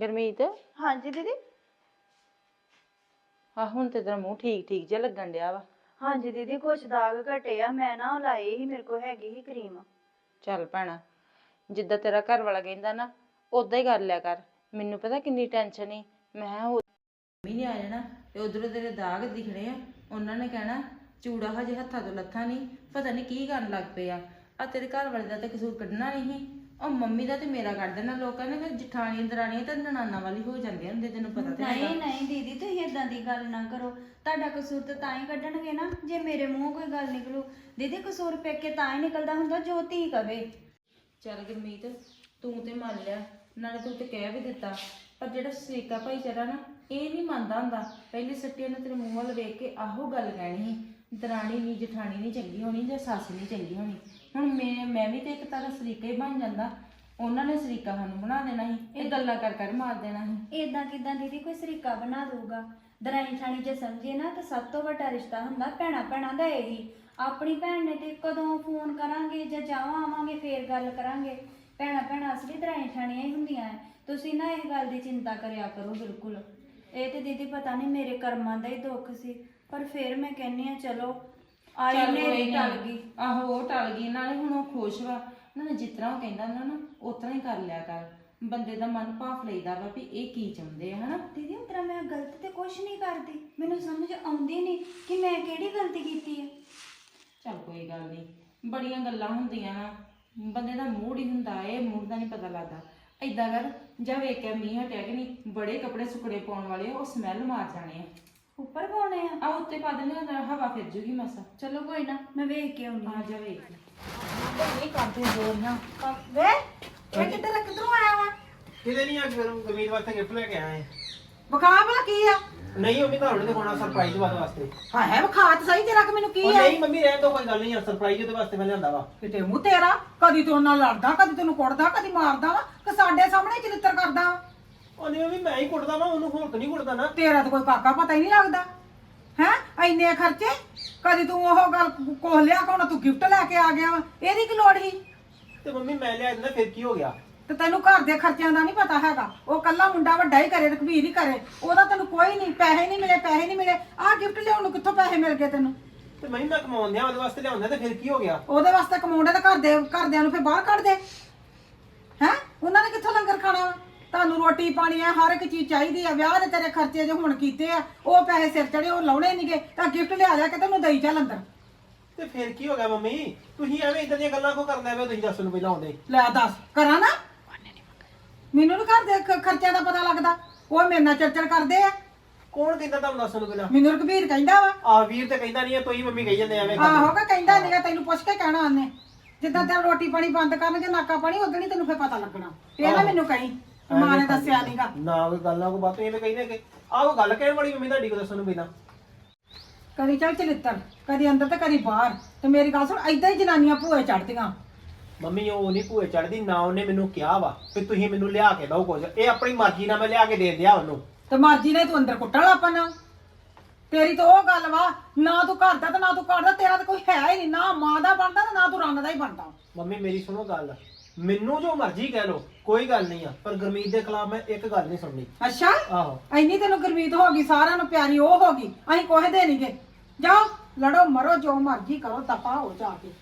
F: ਗੁਰਮੀਤ
B: ਹਾਂਜੀ ਦੀਦੀ।
F: ਆ ਹੁਣ ਤੇ ਤੇਰਾ ਮੂੰਹ ਠੀਕ ਠੀਕ ਜਿਹਾ ਲੱਗਣ ਡਿਆ ਵਾ।
B: ਹਾਂਜੀ ਦੀਦੀ, ਕੁਛ ਦਾਗ ਘਟੇ ਆ, ਮੈਂ ਨਾ ਉਹ ਲਾਈ ਸੀ, ਮੇਰੇ ਕੋਲ ਹੈਗੀ ਸੀ ਕਰੀਮ।
F: ਚੱਲ ਭੈਣਾ, ਜਿੱਦਾਂ ਤੇਰਾ ਘਰ ਵਾਲਾ ਕਹਿੰਦਾ ਨਾ ਉਦਾਂ ਹੀ ਕਰ ਲਿਆ ਕਰ। ਮੈਨੂੰ ਪਤਾ ਕਿੰਨੀ ਟੈਨਸ਼ਨ ਸੀ, ਮੈਂ ਕਿਹਾ ਉਹ ਮੰਮੀ ਨੇ ਆ ਜਾਣਾ ਤੇ ਉਧਰੋਂ ਤੇਰੇ ਦਾਗ ਦਿਖਣੇ ਆ, ਉਹਨਾਂ ਨੇ ਕਹਿਣਾ ਚੂੜਾ ਹਜੇ ਹੱਥਾਂ ਤੋਂ ਲੱਥਾ ਨਹੀਂ, ਪਤਾ ਨਹੀਂ ਕੀ ਕਰਨ ਲੱਗ ਪਏ ਆ। ਆ ਤੇਰੇ ਘਰ ਵਾਲੇ ਦਾ ਤੇ ਕਸੂਰ ਕੱਢਣਾ ਨਹੀਂ ਸੀ, ਉਹ ਮੰਮੀ ਦਾ ਤੇ ਮੇਰਾ ਕੱਢ ਦੇਣਾ। ਲੋਕਾਂ ਨੇ ਫਿਰ ਜਠਾਣੀਆਂ ਦਰਾਣੀਆਂ ਤੇ ਨਨਾਨਾ ਵਾਲੀ ਹੋ ਜਾਂਦੀਆਂ ਹੁੰਦੇ, ਤੈਨੂੰ ਪਤਾ ਤੇ ਹੈਗਾ।
B: ਨਹੀਂ ਨਹੀਂ ਦੀਦੀ, ਤੁਸੀਂ ਇਦਾਂ ਦੀ ਗੱਲ ਨਾ ਕਰੋ। ਤੁਹਾਡਾ ਕਸੂਰ ਤਾਂ ਤਾਂ ਹੀ ਕੱਢਣਗੇ ਨਾ ਜੇ ਮੇਰੇ ਮੂੰਹੋਂ ਕੋਈ ਗੱਲ ਨਿਕਲੂ। ਦੀਦੀ ਕਸੂਰ ਪੇਕੇ ਤਾਂ ਹੀ ਨਿਕਲਦਾ ਹੁੰਦਾ ਜੋ ਧੀ ਕਵੇ।
F: ਚੱਲ ਗੁਰਮੀਤ, ਤੂੰ ਤੇ ਮੰਨ ਲਿਆ, ਨਾਲੇ ਤੂੰ ਤੇ ਕਹਿ ਵੀ ਦਿੱਤਾ, ਪਰ ਜਿਹੜਾ ਸਰੀਕਾ ਭਾਈਚਾਰਾ ਨਾ ਇਹ ਨਹੀਂ ਮੰਨਦਾ ਹੁੰਦਾ। ਪਹਿਲੀ ਸੱਟੀਆਂ ਨੇ ਤੇਰੇ ਮੂੰਹ ਵੱਲ ਵੇਖ ਕੇ ਆਹੋ ਗੱਲ ਕਹਿਣੀ ਸੀ, ਦਰਾਣੀ ਨਹੀਂ ਜਠਾਣੀ ਨਹੀਂ ਚੰਗੀ ਹੋਣੀ ਜਾਂ ਸੱਸ ਨਹੀਂ ਚੰਗੀ ਹੋਣੀ। ਹੁਣ ਮੈਂ ਮੈਂ ਵੀ ਤੇ ਇੱਕ ਤਰ੍ਹਾਂ ਸਰੀਕਾ ਹੀ ਬਣ ਜਾਂਦਾ, ਉਹਨਾਂ ਨੇ ਸਰੀਕਾ ਸਾਨੂੰ ਬਣਾ ਦੇਣਾ ਸੀ, ਇਹ ਗੱਲਾਂ ਕਰ ਕਰ ਮਾਰ ਦੇਣਾ ਸੀ।
B: ਇਦਾਂ ਕਿਦਾਂ ਦੀਦੀ ਕੋਈ ਸਰੀਕਾ ਬਣਾ ਦਊਗਾ? ਦਰਾਣੀ ਠਾਣੀ ਜੇ ਸਮਝੇ ਨਾ ਤਾਂ ਸਭ ਤੋਂ ਵੱਡਾ ਰਿਸ਼ਤਾ ਹੁੰਦਾ ਭੈਣਾ ਭੈਣਾਂ ਦਾ ਇਹੀ। ਆਪਣੀ ਭੈਣ ਨੇ ਤੇ ਕਦੋਂ ਫੋਨ ਕਰਾਂਗੇ ਜਾਂ ਜਾਵਾਂ ਆਵਾਂਗੇ ਫੇਰ ਗੱਲ ਕਰਾਂਗੇ। ਭੈਣਾ ਭੈਣਾਂ ਅਸਲੀ ਦਰਾਣੀ ਠਾਣੀਆਂ ਹੀ ਹੁੰਦੀਆਂ ਹੈ। ਤੁਸੀਂ ਨਾ ਇਹ ਗੱਲ ਦੀ ਚਿੰਤਾ ਕਰਿਆ ਕਰੋ ਬਿਲਕੁਲ। ਇਹ ਤੇ ਦੀਦੀ ਪਤਾ ਨਹੀਂ ਮੇਰੇ ਕਰਮਾਂ ਦਾ ਹੀ ਦੁੱਖ ਸੀ, ਪਰ ਫਿਰ ਮੈਂ ਕਹਿੰਨੀ ਆ ਚਲੋ ਆਈ
F: ਚੱਲ
B: ਨੇ
F: ਕੋਈ
B: ਟਲ
F: ਨੀ।
B: ਗਈ।
F: ਆਹੋ ਉਹ ਟਲ ਗਈ, ਨਾਲੇ ਹੁਣ ਉਹ ਖੁਸ਼ ਵਾ ਨਾ, ਜਿਸ ਤਰ੍ਹਾਂ ਉਹ ਕਹਿੰਦਾ ਹੁੰਦਾ ਨਾ ਉਸ ਤਰ੍ਹਾਂ ਹੀ ਕਰ ਲਿਆ ਕਰ। ਬੰਦੇ ਦਾ ਮਨ ਭਾਫ ਲਈਦਾ ਵਾ ਵੀ ਇਹ ਕੀ ਚਾਹੁੰਦੇ ਆ, ਹਨਾ।
B: ਦੀਦੀ ਉਸ ਤਰ੍ਹਾਂ ਮੈਂ ਗਲਤ ਤੇ ਕੁਛ ਨਹੀਂ ਕਰਦੀ, ਮੈਨੂੰ ਸਮਝ ਆਉਂਦੀ ਨਹੀਂ ਕਿ ਮੈਂ ਕਿਹੜੀ ਗਲਤੀ ਕੀਤੀ ਹੈ।
F: ਚੱਲ ਕੋਈ ਗੱਲ ਨਹੀਂ, ਬੜੀਆਂ ਗੱਲਾਂ ਹੁੰਦੀਆਂ ਨਾ, ਬੰਦੇ ਦਾ ਮੂਡ ਹੀ ਹੁੰਦਾ, ਇਹ ਮੂਡ ਦਾ ਨਹੀਂ ਪਤਾ ਲੱਗਦਾ। ਏਦਾਂ ਕਰ, ਜਾ ਵੇਖ ਕੇ ਮੀਂਹ ਹਟਿਆ ਕਿ ਨਹੀਂ, ਬੜੇ ਕੱਪੜੇ ਸੁੱਕਣੇ ਪਾਉਣ ਵਾਲੇ ਆ, ਉਹ ਸਮੈਲ ਮਾਰ ਜਾਣੇ ਆ।
B: ਉੱਪਰ ਪਾਉਣੇ ਆ?
F: ਆ ਉੱਤੇ ਪਾ ਦਿੰਦੇ ਆ, ਹਵਾ ਫਿਰ ਜੂਗੀ ਮਸਾ।
B: ਚਲੋ ਕੋਈ ਨਾ, ਮੈਂ ਵੇਖ ਕੇ ਆਉਂਦੀ
F: ਆ ਜਾ ਵੇਖ।
D: ਨਹੀਂ ਕਰਦੇ ਜੋਰੀਆਂ ਵੇ ਇਹ ਕਿੱਧਰ ਕਿੱਧਰੋਂ ਆਇਆ ਵਾ?
A: ਕਿਤੇ ਨਹੀਂ ਆ ਕੇ ਗਰਮੀਤ ਵਾਸਤੇ ਗਿਫਟ ਲੈ ਕੇ ਆਏ।
D: ਵਿਖਾ ਭਲਾ ਕੀ ਆ?
A: ਨਹੀਂ ਮੰਮੀ ਤੁਹਾਨੂੰ ਦਿਖਾਉਣਾ ਸਰਪ੍ਰਾਈਜ਼ ਵਾਸਤੇ।
D: ਹਾਂ ਹੈ ਵਿਖਾ ਤਾਂ ਸਹੀ ਤੇਰਾ ਕਿ ਮੈਨੂੰ ਕੀ
A: ਉਹ
D: ਆ?
A: ਨਹੀਂ ਮੰਮੀ ਰਹਿਣ ਦੋ, ਕੋਈ ਗੱਲ ਨਹੀਂ, ਸਰਪ੍ਰਾਈਜ਼ ਉਹਦੇ ਵਾਸਤੇ ਮੈਂ ਲਿਆਂਦਾ ਵਾ।
D: ਕਿਤੇ ਮੂੰਹ ਤੇਰਾ, ਕਦੀ ਤੂੰ ਨਾਲ ਲੜਦਾ, ਕਦੀ ਤੈਨੂੰ ਕੁੱਟਦਾ, ਕਦੀ ਮਾਰਦਾ ਵਾ, ਕਿ ਸਾਡੇ ਸਾਹਮਣੇ ਚਰਿੱਤਰ ਕਰਦਾ ਵਾ।
A: ਉਹ ਨਹੀਂ ਮੰਮੀ ਮੈਂ ਹੀ ਕੁੱਟਦਾ ਵਾ, ਉਹਨੂੰ ਹੋਰ ਤਾਂ ਨਹੀਂ ਕੁੱਟਦਾ ਨਾ।
D: ਤੇਰਾ ਤਾਂ ਕੋਈ ਕਾਕਾ ਪਤਾ ਹੀ ਨਹੀਂ ਲੱਗਦਾ ਹੈ। ਇੰਨੇ ਖਰਚੇ, ਕਦੀ ਤੂੰ ਉਹ ਗੱਲ ਕੋਹ ਲਿਆ ਕਿ ਹੁਣ ਤੂੰ ਗਿਫਟ ਲੈ ਕੇ ਆ ਗਿਆ ਵਾ, ਇਹਦੀ ਕੀ ਲੋੜ ਸੀ?
A: ਤੇ ਮੰਮੀ ਮੈਂ ਲਿਆ ਦਿੰਦਾ, ਫਿਰ ਕੀ ਹੋ ਗਿਆ?
D: ਤੇ ਤੈਨੂੰ ਘਰ ਦੇ ਖਰਚਿਆਂ ਦਾ ਨਹੀਂ ਪਤਾ ਹੈਗਾ। ਉਹ ਕੱਲਾ ਮੁੰਡਾ ਵੱਡਾ ਹੀ ਕਰੇ, ਰਘਬੀਰ ਹੀ ਕਰੇ, ਉਹਦਾ ਤੈਨੂੰ ਕੋਈ ਨਹੀਂ, ਪੈਸੇ ਨਹੀਂ ਮਿਲੇ, ਪੈਸੇ ਨਹੀਂ ਮਿਲੇ। ਆਹ ਗਿਫਟ ਲਿਆਉਣ ਨੂੰ ਕਿੱਥੋਂ ਪੈਸੇ ਮਿਲ ਗਏ ਤੈਨੂੰ?
A: ਤੇ ਮੰਮੀ ਮੈਂ ਕਮਾਉਂਦਿਆਂ ਉਹਦੇ ਵਾਸਤੇ ਲਿਆਉਂਦਾ, ਤੇ ਫਿਰ ਕੀ ਹੋ ਗਿਆ?
D: ਉਹਦੇ ਵਾਸਤੇ ਕਮਾਉਂਦੇ ਤਾਂ ਘਰ ਦੇ ਘਰਦਿਆਂ ਨੂੰ ਫਿਰ ਬਾਹਰ ਕੱਢ ਦੇ ਹੈ। ਉਹਨਾਂ ਨੇ ਕਿੱਥੋਂ ਲੰਗਰ ਖਾਣਾ ਵਾ? ਤੁਹਾਨੂੰ ਰੋਟੀ ਪਾਣੀ ਆ, ਹਰ ਇੱਕ ਚੀਜ਼ ਚਾਹੀਦੀ ਆ। ਵਿਆਹ ਦੇ ਤੇਰੇ ਖਰਚੇ ਜੇ ਹੁਣ ਕੀਤੇ ਆ, ਉਹ ਪੈਸੇ ਸਿਰ ਚੜੇ, ਉਹ ਲਾਉਣੇ ਨਹੀਂਗੇ, ਤਾਂ ਗਿਫਟ ਲਿਆ ਲਿਆ ਕੇ ਤੈਨੂੰ ਦੇਈ ਚੱਲ ਅੰਦਰ।
A: ਤੇ ਫਿਰ ਕੀ ਹੋ ਗਿਆ ਮੰਮੀ? ਤੁਸੀਂ ਐਵੇਂ ਇਦਾਂ ਦੀਆਂ ਗੱਲਾਂ ਕੋ ਕਰਨਾ ਵੇ? ਤੁਸੀਂ ਦੱਸਣ ਨੂੰ ਪਹਿਲਾਂ ਆਉਂਦੇ।
D: ਲੈ ਦੱਸ ਕਰਾਂ ਨਾ, ਮੈਨੂੰ ਨੀ ਘਰ ਦੇ ਖ- ਖਰਚਿਆਂ ਦਾ ਪਤਾ ਲੱਗਦਾ। ਉਹ ਮੇਰੇ ਨਾਲ ਚਰਚਰ ਕਰਦੇ ਆ।
A: ਕੌਣ ਕਹਿੰਦਾ ਤੁਹਾਨੂੰ ਦੱਸਣ ਨੂੰ ਪਹਿਲਾਂ?
D: ਮੈਨੂੰ ਰਘਬੀਰ ਕਹਿੰਦਾ ਵਾ।
A: ਆ ਵੀਰ ਤੇ ਕਹਿੰਦਾ ਨਹੀਂ, ਤੁਸੀਂ ਮੰਮੀ ਕਹੀ ਜਾਂਦੇ ਐਵੇਂ।
D: ਆਹੋ ਕਿ ਕਹਿੰਦਾ ਨਹੀਂਗਾ, ਤੈਨੂੰ ਪੁੱਛ ਕੇ ਕਹਿਣਾ ਉਹਨੇ। ਜਿੱਦਾਂ ਤੇਰਾ ਰੋਟੀ ਪਾਣੀ ਬੰਦ ਕਰਨਗੇ, ਨਾਕਾ ਪਾਣੀ, ਉਦੋਂ ਨਹੀਂ ਤੈਨੂੰ ਫਿਰ ਪਤਾ ਲੱਗਣਾ। ਇਹ ਨਾ ਮੈਨੂੰ ਕਹੀਂ ਮਾਂ ਨੇ ਦੱਸਿਆ ਨਹੀਂਗਾ।
A: ਨਾ ਕੋਈ ਗੱਲਾਂ ਕੋ ਬਾਤ ਐਵੇਂ ਕਹਿੰਦੇ ਕਿ ਆਹ ਉਹ ਗੱਲ ਕਹਿਣ ਵਾਲੀ ਮੰਮੀ ਤੁਹਾਡੀ ਕੋ ਦੱਸਣ ਨੂੰ ਪਹਿਲਾਂ।
D: ਕਦੀ ਚੱਲ ਚਲਿੱਤਰ, ਕਦੀ ਅੰਦਰ ਤੇ ਕਦੀ ਬਾਹਰ। ਤੇ ਮੇਰੀ ਗੱਲ ਸੁਣ, ਏਦਾਂ ਹੀ ਜਨਾਨੀਆਂ ਭੂਏ ਚੜਦੀਆਂ।
A: ਮੰਮੀ ਉਹ ਨਹੀਂ ਭੂਏ ਚੜਦੀ, ਨਾ ਉਹਨੇ ਮੈਨੂੰ ਕਿਹਾ ਵਾ ਵੀ ਤੁਸੀਂ ਮੈਨੂੰ ਲਿਆ ਕੇ ਦਿਓ ਕੁਝ। ਇਹ ਆਪਣੀ ਮਰਜ਼ੀ ਨਾਲ ਮੈਂ ਲਿਆ ਕੇ ਦੇ ਦਿਆ ਉਹਨੂੰ।
D: ਤੇ ਮਰਜ਼ੀ ਨੇ ਤੂੰ ਅੰਦਰ ਕੁੱਟਣ ਲੱਗ ਪੈਣਾ। ਤੇਰੀ ਤਾਂ ਉਹ ਗੱਲ ਵਾ, ਨਾ ਤੂੰ ਘਰ ਦਾ ਤੇ ਨਾ ਤੂੰ ਘਰ ਦਾ, ਤੇਰਾ ਤਾਂ ਕੋਈ ਹੈ ਹੀ ਨਹੀਂ, ਨਾ ਮਾਂ ਦਾ ਬਣਦਾ ਤੇ ਨਾ ਤੂੰ ਰੰਨ ਦਾ ਹੀ ਬਣਦਾ।
A: ਮੰਮੀ ਮੇਰੀ ਸੁਣੋ ਗੱਲ, ਮੈਨੂੰ ਜੋ ਮਰਜ਼ੀ ਕਹਿ ਲੋ, ਕੋਈ ਗੱਲ ਨਹੀਂ ਆ, ਪਰ ਗੁਰਮੀਤ ਦੇ ਖਿਲਾਫ ਮੈਂ ਇੱਕ ਗੱਲ ਨਹੀਂ ਸੁਣਨੀ।
D: ਅੱਛਾ,
A: ਆਹੋ
D: ਇੰਨੀ ਤੈਨੂੰ ਗੁਰਮੀਤ ਹੋ ਗਈ, ਸਾਰਿਆਂ ਨੂੰ ਪਿਆਰੀ ਉਹ ਹੋ ਗਈ, ਅਸੀਂ ਕੋਹੇ ਦੇ ਨਹੀਂਗੇ। ਜਾਓ ਲੜੋ ਮਰੋ, ਜੋ ਮਰਜ਼ੀ ਕਰੋ, ਦਫਾ ਹੋ ਜਾ ਕੇ।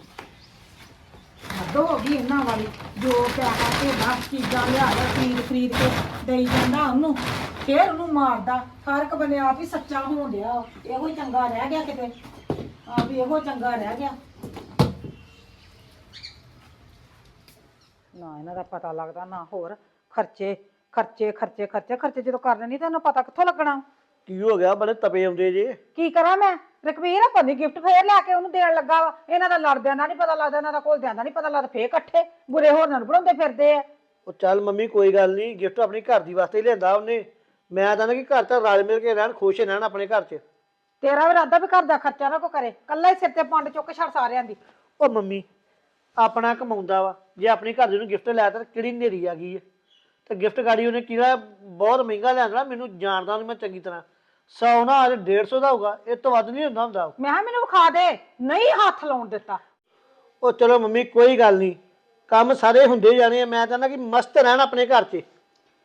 D: ਹੱਦੋਂ ਹੋ ਗਈ ਇਹਨਾਂ ਵਾਲੀ, ਜੋ ਪਿਆਹਾ ਤੇ ਦਸ ਚੀਜ਼ਾਂ ਲਿਆ ਲਿਆ ਖਰੀਦ ਖਰੀਦ ਕੇ ਦੇਈ ਜਾਂਦਾ ਉਹਨੂੰ, ਫੇਰ ਉਹਨੂੰ ਮਾਰਦਾ। ਹਰ ਇੱਕ ਬੰਦੇ ਆਪ ਹੀ ਸੱਚਾ ਹੋਣ ਡਿਆ, ਇਹੋ ਹੀ ਚੰਗਾ ਰਹਿ ਗਿਆ ਕਿਤੇ, ਆਪ ਹੀ ਇਹੋ ਚੰਗਾ ਰਹਿ ਗਿਆ। ਨਾ ਇਹਨਾਂ ਦਾ ਪਤਾ ਲੱਗਦਾ, ਨਾ ਹੋਰ ਖਰਚੇ ਖਰਚੇ ਖਰਚੇ ਖਰਚੇ ਖਰਚੇ ਜਦੋਂ ਕਰਨੇ ਨਹੀਂ ਤੈਨੂੰ ਪਤਾ ਕਿੱਥੋਂ ਲੱਗਣਾ?
E: ਕੀ ਹੋ ਗਿਆ? ਬੜੇ ਤਪੇ ਆਉਂਦੇ ਜੇ।
D: ਕੀ ਕਰਾਂ ਮੈਂ? ਰਕਬੀਰ ਆਪਾਂ ਨੇ ਗਿਫਟ ਫੇਰ ਲੈ ਕੇ ਉਹਨੂੰ ਦੇਣ ਲੱਗਾ ਵਾ। ਇਹਨਾਂ ਦਾ ਲੜਦਿਆਂ ਦਾ ਨਹੀਂ ਪਤਾ ਲੱਗਦਾ, ਇਹਨਾਂ ਦਾ ਘੁਲਦਿਆਂ ਦਾ ਨਹੀਂ ਪਤਾ ਲੱਗਦਾ, ਫੇਰ ਇਕੱਠੇ ਬੁਰੇ ਹੋਰਾਂ ਨੂੰ ਬਣਾਉਂਦੇ ਫਿਰਦੇ ਆ।
E: ਉਹ ਚੱਲ ਮੰਮੀ ਕੋਈ ਗੱਲ ਨਹੀਂ, ਗਿਫਟ ਆਪਣੀ ਘਰ ਦੀ ਵਾਸਤੇ ਹੀ ਲਿਆਂਦਾ ਉਹਨੇ। ਮੈਂ ਤਾਂ ਨਾ ਕਿ ਘਰ ਤਾਂ ਰਲ ਮਿਲ ਕੇ ਰਹਿਣ, ਖੁਸ਼ ਰਹਿਣ ਆਪਣੇ ਘਰ 'ਚ।
D: ਤੇਰਾ ਵੀ ਇਰਾਦਾ ਵੀ ਘਰ ਦਾ ਖਰਚਾ ਨਾ ਕੋ ਕਰੇ, ਕੱਲਾ ਹੀ ਸਿਰ ਤੇ ਪੰਡ ਚੁੱਕ ਛੱਡ ਸਾਰਿਆਂ ਦੀ।
E: ਉਹ ਮੰਮੀ ਆਪਣਾ ਕਮਾਉਂਦਾ ਵਾ, ਜੇ ਆਪਣੀ ਘਰ ਦੀ ਨੂੰ ਗਿਫਟ ਲਿਆ ਤਾਂ ਕਿਹੜੀ ਨੇਰੀ ਆ ਗਈ ਹੈ? ਤੇ ਗਿਫਟ ਗਾੜੀ ਉਹਨੇ ਕਿਹੜਾ ਬਹੁਤ ਮਹਿੰਗਾ ਲਿਆਂਦਾ, ਮੈਨੂੰ ਜਾਣਦਾ ਉਹਨੂੰ ਮੈਂ ਚੰਗੀ ਤਰ੍ਹਾਂ। ਸੌ ਨਾ ਅੱਜ ਡੇਢ ਸੌ ਦਾ ਹੋਊਗਾ, ਇਹ ਤੋਂ ਵੱਧ ਨਹੀਂ ਹੁੰਦਾ ਹੁੰਦਾ।
D: ਮੈਂ ਕਿਹਾ ਮੈਨੂੰ ਵਿਖਾ ਦੇ, ਨਹੀਂ ਹੱਥ ਲਾਉਣ ਦਿੱਤਾ।
E: ਉਹ ਚਲੋ ਮੰਮੀ ਕੋਈ ਗੱਲ ਨਹੀਂ, ਕੰਮ ਸਾਰੇ ਹੁੰਦੇ ਜਾਣੇ ਆ। ਮੈਂ ਤਾਂ ਨਾ ਕਿ ਮਸਤ ਰਹਿਣ ਆਪਣੇ ਘਰ 'ਚ।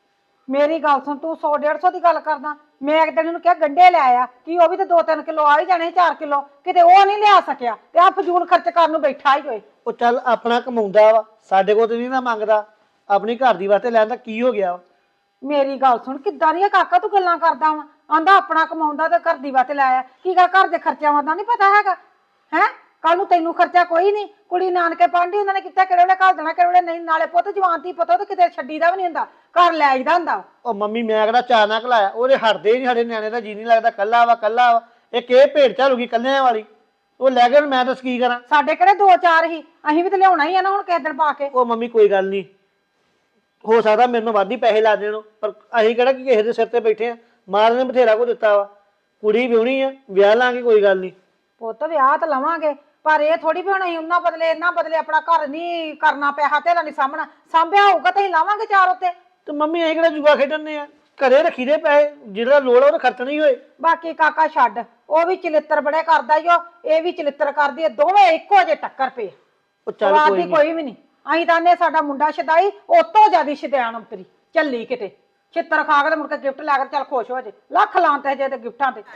D: ਮੇਰੀ ਗੱਲ ਸੁਣ, ਤੂੰ ਸੌ ਡੇਢ ਸੌ ਦੀ ਗੱਲ ਕਰਦਾ। ਮੈਂ ਇੱਕ ਦਿਨ ਨੂੰ ਕਿਹਾ ਗੰਢੇ ਲੈ ਆ, ਕੀ ਉਹ ਵੀ ਤੇ ਦੋ ਤਿੰਨ ਕਿਲੋ ਆ ਹੀ ਜਾਣੇ, ਚਾਰ ਕਿਲੋ, ਕਿਤੇ ਉਹ ਨਹੀਂ ਲਿਆ ਸਕਿਆ ਤੇ ਆ ਫਜ਼ੂਲ ਖਰਚ ਕਰਨ ਨੂੰ ਬੈਠਾ ਹੀ ਹੋਏ।
E: ਉਹ ਚੱਲ ਆਪਣਾ ਕਮਾਉਂਦਾ ਵਾ, ਸਾਡੇ ਕੋਲ ਤੇ ਨਹੀਂ ਨਾ ਮੰਗਦਾ, ਆਪਣੀ ਘਰ ਦੀ ਵਾਸਤੇ ਲੈਣ ਦਾ ਕੀ ਹੋ ਗਿਆ ਵਾ?
D: ਮੇਰੀ ਗੱਲ ਸੁਣ, ਕਿੱਦਾਂ ਦੀਆਂ ਕਾਕਾ ਤੂੰ ਗੱਲਾਂ ਕਰਦਾ ਵਾ? ਆਂਦਾ ਆਪਣਾ ਕਮਾਉਂਦਾ ਤੇ ਘਰ ਦੀ ਵਾਸਤੇ ਲਾਇਆ, ਕੀ ਗੱਲ ਘਰ ਦੇ ਖਰਚਿਆਂ ਦਾ ਨਹੀਂ ਪਤਾ ਹੈਗਾ ਹੈ? ਕੱਲ ਨੂੰ ਤੈਨੂੰ ਖਰਚਾ ਕੋਈ ਨਹੀਂ, ਕੁੜੀ ਨਾਨਕੇ ਪਾਂਢੀ ਉਹਨਾਂ ਨੇ ਕੀਤਾ, ਕਿਹੜੇ ਵੇਲੇ ਘੱਲ ਦੇਣਾ, ਕਿਹੜੇ ਵੇਲੇ ਨਹੀਂ। ਨਾਲੇ ਪੁੱਤ ਜਵਾਨ ਧੀ ਪੁੱਤ, ਉਹ ਤੇ ਕਿਤੇ ਛੱਡੀਦਾ ਵੀ ਨਹੀਂ ਹੁੰਦਾ, ਘਰ ਲੈ ਆਈਦਾ ਹੁੰਦਾ।
E: ਉਹ ਮੰਮੀ ਮੈਂ ਕਿਹੜਾ ਚਾਅ ਨਾ ਘਲਾਇਆ, ਉਹਦੇ ਹਟਦੇ ਹੀ ਨਹੀਂ, ਸਾਡੇ ਨਿਆਣੇ ਦਾ ਜੀ ਨਹੀਂ ਲੱਗਦਾ, ਕੱਲਾ ਵਾ ਕੱਲਾ ਵਾ। ਇੱਕ ਇਹ ਭੇਡ ਝਾਲੂਗੀ ਕੱਲਿਆਂ ਵਾਲੀ, ਉਹ ਲੈ ਕੇ ਮੈਂ ਦੱਸ ਕੀ ਕਰਾਂ?
D: ਸਾਡੇ ਕਿਹੜੇ ਦੋ ਚਾਰ ਹੀ, ਅਸੀਂ ਵੀ ਤੇ ਲਿਆਉਣਾ ਹੀ ਆ ਨਾ ਹੁਣ ਕਿਸੇ ਦਿਨ ਪਾ ਕੇ।
E: ਉਹ ਮੰਮੀ ਕੋਈ ਗੱਲ ਨਹੀਂ, ਹੋ ਸਕਦਾ ਮੈਨੂੰ ਵੱਧ ਹੀ ਪੈਸੇ ਲਾ ਦੇਣ, ਪਰ ਅਸੀਂ ਕਿਹੜਾ ਕਿ ਕਿਸੇ ਦੇ ਸਿਰ ਤੇ ਬੈਠੇ ਆ। ਮਾਂ ਨੇ ਬਥੇਰਾ ਕੋ ਦਿੱਤਾ ਵਾ, ਕੁੜੀ ਵਿਆਹਣੀ ਆ, ਵਿਆਹ ਲਾਂਗੇ, ਕੋਈ ਗੱਲ ਨਹੀਂ।
D: ਪੁੱਤ ਵਿਆਹ ਤਾਂ ਲਵਾਂਗੇ, ਪਰ ਇਹ ਥੋੜੀ ਵੀ ਹੁਣ ਅਸੀਂ ਉਹਨਾਂ ਬਦਲੇ ਇਹਨਾਂ ਬਦਲੇ ਆਪਣਾ ਘਰ ਨਹੀਂ ਕਰਨਾ, ਪੈਸਾ ਧੇਲਾ ਨਹੀਂ ਸਾਂਭਣਾ। ਸਾਂਭਿਆ ਹੋਊਗਾ ਤਾਂ ਅਸੀਂ ਲਾਵਾਂਗੇ ਚਾਰ ਉੱਤੇ।
E: ਤੇ ਮੰਮੀ ਅਸੀਂ ਕਿਹੜਾ ਜੂਆ ਖੇਡਣੇ ਆ? ਘਰੇ ਰੱਖੀ ਦੇ ਪੈਸੇ, ਜਿਹੜਾ ਲੋੜ ਆ ਉਹ ਖਰਚਣੇ ਹੀ ਹੋਏ।
D: ਬਾਕੀ ਕਾਕਾ ਛੱਡ, ਉਹ ਵੀ ਚਲਿੱਤਰ ਬੜੇ ਕਰਦਾ ਈ, ਉਹ ਇਹ ਵੀ ਚਲਿੱਤਰ ਕਰਦੀ ਹੈ, ਦੋਵੇਂ ਇੱਕੋ ਜਿਹੇ ਟੱਕਰ ਪਏ।
E: ਉਹ ਚੱਲ
D: ਸਵਾਦ
E: ਕੋਈ
D: ਦੀ
E: ਨਹੀਂ,
D: ਕੋਈ ਵੀ ਨਹੀਂ। ਅਸੀਂ ਤਾਂ ਨੇ ਸਾਡਾ ਮੁੰਡਾ ਛਦਾਈ, ਉਹ ਤੋਂ ਜ਼ਿਆਦਾ ਛਦਿਆਣ ਅੰਤਰੀ ਚੱਲੀ ਕਿਤੇ, ਛਿੱਤਰ ਖਾ ਕੇ ਤੇ ਮੁੜ ਕੇ ਗਿਫਟ ਲੈ ਕੇ ਚੱਲ ਖੁਸ਼ ਹੋ ਜੇ, ਲੱਖ ਲਾਂਤੇ ਜੇ ਤੇ ਗਿਫਟਾਂ ਤੇ।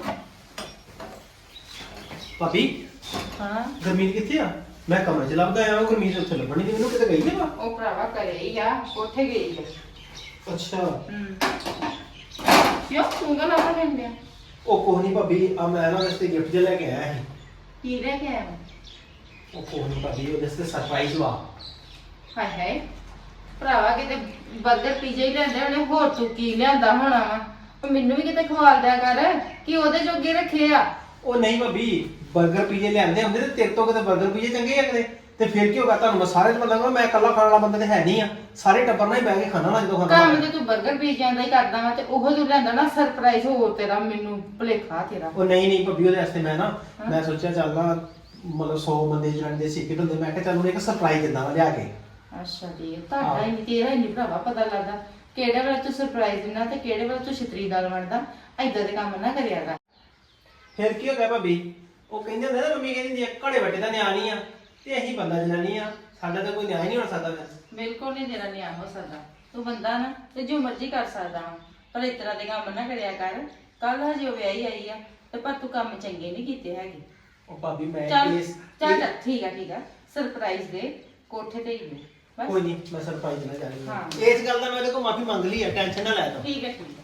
A: ਭਾਬੀ
F: ਹਾਂ
A: ਗੁਰਮੀਤ ਕਿੱਥੇ ਆ? ਮੈਂ ਕਮਰੇ 'ਚ ਲੱਭਦਾ ਆਇਆ, ਗੁਰਮੀਤ ਉੱਥੇ ਲੱਭਣੀ ਤੇ ਮੈਨੂੰ ਕਿਤੇ ਗਈ ਹੈ ਵਾ।
F: ਉਹ ਭਰਾਵਾ ਘਰੇ ਹੀ ਆ, ਕੋਠੇ ਗਈ ਆ।
A: ਅੱਛਾ,
F: ਹੂੰ ਕਿਉਂ ਤੂੰ ਗੱਲ ਆਪਣਾ ਕਹਿੰਦੇ ਆ?
A: ਉਹ ਕੋਹ ਨਹੀਂ ਭਾਬੀ, ਆ ਮੈਂ ਨਾ ਵਾਸਤੇ ਗਿਫਟ ਜਿਹਾ ਲੈ ਕੇ ਆਇਆ ਸੀ।
F: ਕੀ ਲੈ ਕੇ ਆਇਆ?
A: ਉਹ ਕੋਹ ਨਹੀਂ ਭਾਬੀ, ਉਹਦੇ ਵਾਸਤੇ ਸਰਪ੍ਰਾਈਜ਼ ਵਾ।
F: ਹਾਏ ਹਾਏ ਭਰਾਵਾ, ਕਿਤੇ ਬਰਗਰ ਪੀਜ਼ਾ ਹੀ ਲੈਂਦੇ ਹੋਣੇ, ਹੋਰ ਤੂੰ ਕੀ ਲਿਆਂਦਾ ਹੋਣਾ ਵਾ? ਉਹ ਮੈਨੂੰ ਵੀ ਕਿਤੇ ਖਵਾਲ ਦਿਆ ਕਰ ਕਿ ਉਹਦੇ ਜੋਗੇ ਰੱਖੇ ਆ।
A: ਉਹ ਨਹੀਂ ਭਾਬੀ, 버ਗਰ ਪੀਜੇ ਲਿਆਂਦੇ ਹੁੰਦੇ ਤੇ ਤੇਰੇ ਤੋਂ ਕਿਤੇ 버ਗਰ ਪੀਜੇ ਚੰਗੇ ਆ ਕਿਤੇ। ਤੇ ਫਿਰ ਕੀ ਹੋਗਾ, ਤੁਹਾਨੂੰ ਮੈਂ ਸਾਰੇ ਚ ਬੰਦਾ, ਮੈਂ ਇਕੱਲਾ ਖਾਣ ਵਾਲਾ ਬੰਦਾ ਤੇ ਹੈ ਨਹੀਂ ਆ, ਸਾਰੇ ਟੱਬਰ ਨਾਲ ਹੀ ਬਹਿ ਕੇ ਖਾਣਾ ਨਾ ਜਦੋਂ ਖਾਣਾ।
F: ਕੰਮ ਤੇ ਤੂੰ 버ਗਰ ਪੀਜ਼ਿਆਂ ਦਾ ਹੀ ਕਰਦਾ ਵਾ, ਤੇ ਉਹ ਜੋ ਲੈਂਦਾ ਨਾ ਸਰਪ੍ਰਾਈਜ਼ ਹੋਰ ਤੇਰਾ, ਮੈਨੂੰ ਭੁਲੇਖਾ ਤੇਰਾ।
A: ਉਹ ਨਹੀਂ ਨਹੀਂ ਭਾਬੀ, ਉਹਦੇ ਵਾਸਤੇ ਮੈਂ ਨਾ ਮੈਂ ਸੋਚਿਆ ਚੱਲ ਨਾ, ਮਤਲਬ ਸੌ ਬੰਦੇ ਜਿਹੜੇ ਦੇ ਸਿੱਕਟ ਹੁੰਦੇ, ਮੈਂ ਕਿਹਾ ਚੱਲ ਉਹਨੂੰ ਇੱਕ ਸਰਪ੍ਰਾਈਜ਼ ਦਿੰਦਾ ਵਾ ਲਿਆ ਕੇ।
F: ਅੱਛਾ ਜੀ, ਤੁਹਾਡਾ ਹੀ ਨਹੀਂ, ਤੇਰਾ ਹੀ ਨਹੀਂ ਭਰਾਵਾ ਪਤਾ ਲੱਗਦਾ ਕਿਹੜੇ ਵੇਲੇ ਤੂੰ ਸਰਪ੍ਰਾਈਜ਼ ਦਿੰਦਾ ਤੇ ਕਿਹੜੇ ਵੇਲੇ ਤੂੰ ਛਤਰੀ ਦਾਲ ਵੰਡਦਾ। ਏਦਾਂ ਦੇ ਕੰਮ ਨਾ ਕਰਿਆ ਕਰ।
A: ਫਿਰ ਕੀ ਹੋ ਗਿਆ ਭਾਬੀ? ਉਹ ਕਹਿੰਦੇ ਹੁੰਦੇ ਨਾ, ਮੰਮੀ ਕਹਿੰਦੀ ਹੁੰਦੀ ਆ, ਘੜੇ ਵੱਟੇ ਦਾ ਨਿਆਂ ਨਹੀਂ ਆ, ਤੇ ਅਸੀਂ ਬੰਦਾ ਜਨਾਨੀ ਆ, ਸਾਡਾ ਤਾਂ ਕੋਈ ਨਿਆਂ ਹੀ ਨਹੀਂ ਹੋ ਸਕਦਾ ਫਿਰ।
F: ਬਿਲਕੁਲ ਨਹੀਂ ਤੇਰਾ ਨਿਆਂ ਹੋ ਸਕਦਾ, ਤੂੰ ਬੰਦਾ ਨਾ ਤੇ ਜੋ ਮਰਜ਼ੀ ਕਰ ਸਕਦਾ ਵਾ, ਪਰ ਇਸ ਤਰ੍ਹਾਂ ਦੇ ਕੰਮ ਨਾ ਕਰਿਆ ਕਰ। ਕੱਲ ਹਜੇ ਉਹ ਵਿਆਹੀ ਆਈ ਆ, ਤੇ ਪਰ ਤੂੰ ਕੰਮ ਚੰਗੇ ਨਹੀਂ ਕੀਤੇ ਹੈਗੇ।
A: ਉਹ ਭਾਬੀ ਮੈਂ
F: ਚੱਲ
A: ਇਸ
F: ਚੱਲ ਠੀਕ ਆ ਠੀਕ ਆ, ਸਰਪ੍ਰਾਈਜ਼ ਦੇ, ਕੋਠੇ ਤੇ ਹੀ ਦੇ ਬਸ।
A: ਕੋਈ ਨਹੀਂ, ਮੈਂ ਸਰਪ੍ਰਾਈਜ਼ ਦੇਣਾ ਚਾਹੁੰਦੀ
F: ਹਾਂ।
A: ਹਾਂ। ਇਸ ਗੱਲ ਦਾ ਮੈਂ ਉਹਦੇ ਕੋਲ ਮਾਫੀ ਮੰਗ ਲਈ ਹੈ, ਟੈਨਸ਼ਨ ਨਾ ਲੈ ਤੂੰ।
F: ਠੀਕ ਹੈ ਠੀਕ ਹੈ।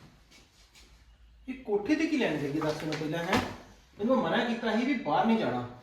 A: ਇਹ ਕੋਠੇ ਤੇ ਕੀ ਲੈਣ ਜਾਈਏ ਦੱਸ ਮੈਨੂੰ ਪਹਿਲਾਂ, ਹੈ ਇਹਨੂੰ ਮਨਾ ਕੀਤਾ ਸੀ ਵੀ ਬਾਹਰ ਨਹੀਂ ਜਾਣਾ।